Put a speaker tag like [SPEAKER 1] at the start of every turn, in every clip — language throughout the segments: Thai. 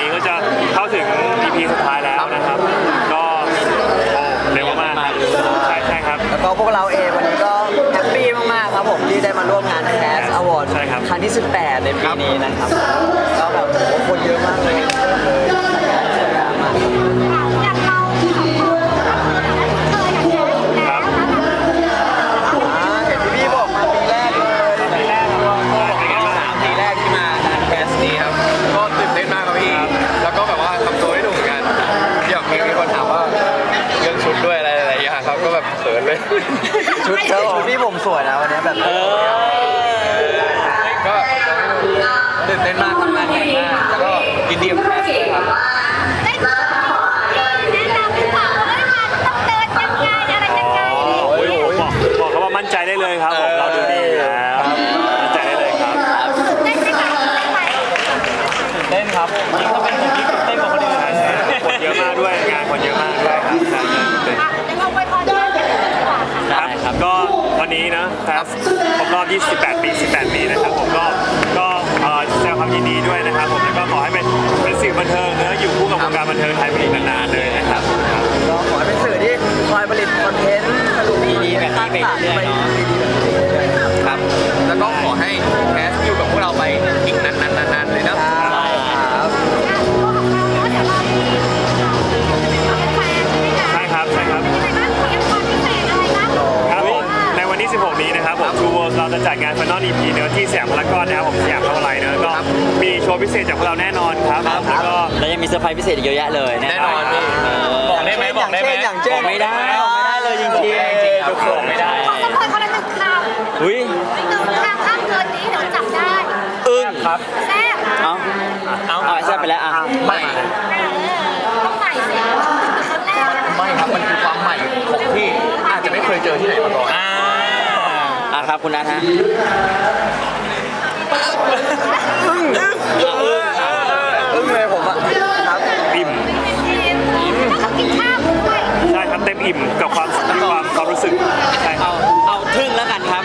[SPEAKER 1] นี้ก็จะเข้าถึง EP สุดท้ายแล้วนะครับก็เร็วมากใช่ครับ
[SPEAKER 2] แล้วก็พวกเราเองวันนี้ก็แฮปปี้มากๆครับผมที่ได้มาร่วมงาน Cast Award ครั้งที่18ในปีนี้นะครับก็แบบคนเยอะมากเลยชุดพี่ผมสวยนะวันนี้แบบ
[SPEAKER 3] ก็ตื่นเต้นมากทำงานใหญ่มากแล้วก็ยินดีกับแคสต์ครับ
[SPEAKER 4] ได้แนะนำหรือเปล่าว่าต้องเดินยังไงอะไรยังไง
[SPEAKER 1] บอกเขาว่ามั่นใจได้เลยครับเราดูดีแล้วมั่นใจได้เลยครับ
[SPEAKER 4] ได้ไหมคะ
[SPEAKER 2] เต้นครับนี่ก็เป็นผมที่เต้นกว่าคนอื่น
[SPEAKER 1] คนเยอะมากด้วยงานคนเยอะมากด้วยครับ
[SPEAKER 4] ยังเอาไว้พอได้
[SPEAKER 1] ครับก็วันนี้นะครับครบรอบ28 ปีนะครับผมก็แสดงความยินดีด้วยนะครับผมแล้วก็ขอให้เป็นสื่อบันเทิงอยู่คู่กับวงการบันเทิงไทยไปอีกนานๆเลยนะครับ
[SPEAKER 2] ก็ขอให้เป็นสื่อที่คอยผลิตคอนเทนต์สนุกดีๆแบบนี้ไปเรื่อยๆเนาะ
[SPEAKER 3] ครับแล้วก็ขอให้แคสต์อยู่กับพวกเราไปอีกนานๆเลยนะ
[SPEAKER 1] 16นี้นะครับผม True World เราจะจัดงาน Final EP เนื้อที่สยามพารากอนนะครับผมสยามพารากอนก็มีโชว์พิเศษจากพวกเราแน่นอนครับ
[SPEAKER 2] แล้วยังมีเซอร์ไพรส์พิเศษอีกเยอะแยะเลย
[SPEAKER 3] แน่นอน
[SPEAKER 2] บอกได้ไหมบอกไม่ได้เลยจริงๆ
[SPEAKER 3] ทุกคนไม่ได้
[SPEAKER 4] ขอสปอยคนละ1 คำ
[SPEAKER 2] อุ้ย
[SPEAKER 4] 1 คำห้ามเกินนี้เดี๋ยวจับได้
[SPEAKER 2] ครับ
[SPEAKER 4] แซ่บ
[SPEAKER 2] เอาแซ่บไปแล้ว
[SPEAKER 3] ไม่
[SPEAKER 4] ต้องใหม่สิ
[SPEAKER 3] ไม่ครับมันคือความใหม่ของที่อาจจะไม่เคยเจอที่ไหนมาก่อน
[SPEAKER 2] ครับคุณนัทฮะอึ้งเลยผมอะครับ
[SPEAKER 1] อิ่ม
[SPEAKER 4] ต้องกินข้าวด้วย
[SPEAKER 1] ใช่ครับเต็มอิ่มกับความรู้สึกใช่
[SPEAKER 2] เอาทึ่งแล้วกันครับ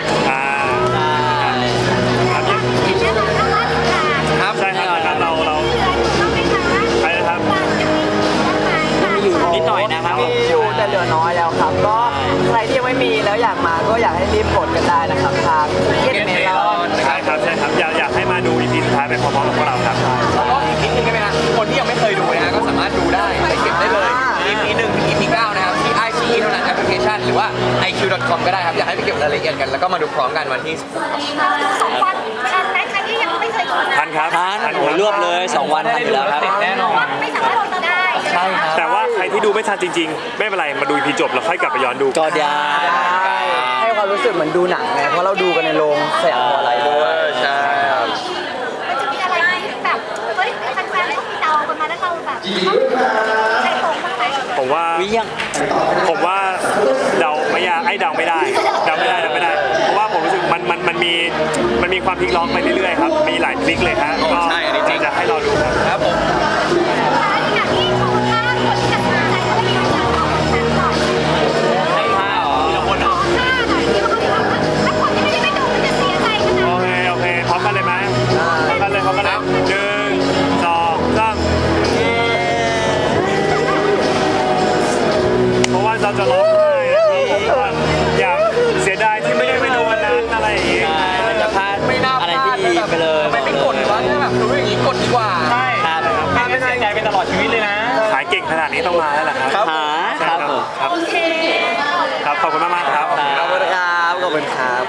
[SPEAKER 1] ครับใช่ครับเราใช่ครับ
[SPEAKER 2] อยู่นิดหน่อยนะครับอยู่แต่เหลือน้อยแล้วครับก็ใครที่ยังไม่มีแล้วอยากมาก็อยากให้รีบกดกันได้นะครับทางเก็ตเมลอน
[SPEAKER 1] ใช่ครับอยากให้มาดู EP สุดท้ายไปพร้อมๆกับพวกเราครับ
[SPEAKER 3] แล้วก็อีกนิดนึงใช่ไหมฮะคนที่ยังไม่เคยดูนะฮะก็สามารถดูได้ไปเก็บได้เลย EP 1 ถึง EP 9นะครับที่ iQIYI เท่านั้นแอปพลิเคชันหรือว่า iq.com ก็ได้ครับอยากให้ไปเก็บรายละเอียดกันแล้วก็มาดูพร้อมกันวันที่
[SPEAKER 4] 2 วันทันไหมใครที่ยังไม่เคยดู
[SPEAKER 1] ทันครับ
[SPEAKER 2] รวบเลย2 วันทันอยู่แล้วครับ
[SPEAKER 3] แน่นอน
[SPEAKER 4] ไม่สามารถดูได้
[SPEAKER 3] ใช่ครับ
[SPEAKER 1] แต่ว่าใครที่ดูไม่ทันจริงๆไม่เป็นไรมาดู EP จบแล้วค่อยกลับไปย้อนดู
[SPEAKER 2] ก็ได้ให้ความรู้สึกเหมือนดูหนังไงเพราะเราดูกันในโรงสยามพารากอนด้วย
[SPEAKER 3] ใช่ครับ
[SPEAKER 4] มันจะมีอะไรที่แบบเฮ้ยแฟนๆเขาเดากันมาแล้วเราแบบใช่ตรงบ้างไหม
[SPEAKER 1] ผมว่าเดาไม่ยากเดาไม่ได้เพราะว่าผมรู้สึกมันมีความพลิกล็อกไปเรื่อยๆครับมีหลายพลิกเลยครับก็จะให้เราดู
[SPEAKER 3] ครับผม
[SPEAKER 4] อย่างที่โชว์ท่าคนที่จะสนใจก็ไม่ได้จะเอาคนนั้นก่อน
[SPEAKER 2] ให้ท่า
[SPEAKER 4] ทีละคนท่าหน่อยที่เขาบอกว่าถ้าคนที่ไม่ได้ไปดูมันจะเสียใจขนาด
[SPEAKER 1] โอเคพร้อมกันเลยไหมพร้อมกันเลย1 2 3เพราะว่าเราจะร้องไห้อยากเสียดายที่ไม่ได้ไปดูวันนั้นอะไรอย่างเงี้ย
[SPEAKER 2] จะพลาดอะไรที่ดีไปเลย
[SPEAKER 3] ไม่กดวะแบบดูอย่างนี้กดดีกว่า
[SPEAKER 1] ใช่
[SPEAKER 2] ถ้าไม่เสียใจเป็นตลอดชีวิตเลยนะ
[SPEAKER 1] ขายเก่งขนาดนี้ต้องมาแล้วแหละครับ
[SPEAKER 2] ครับ
[SPEAKER 1] ครับขอบคุณมากๆครับ
[SPEAKER 2] ขอบคุณครับ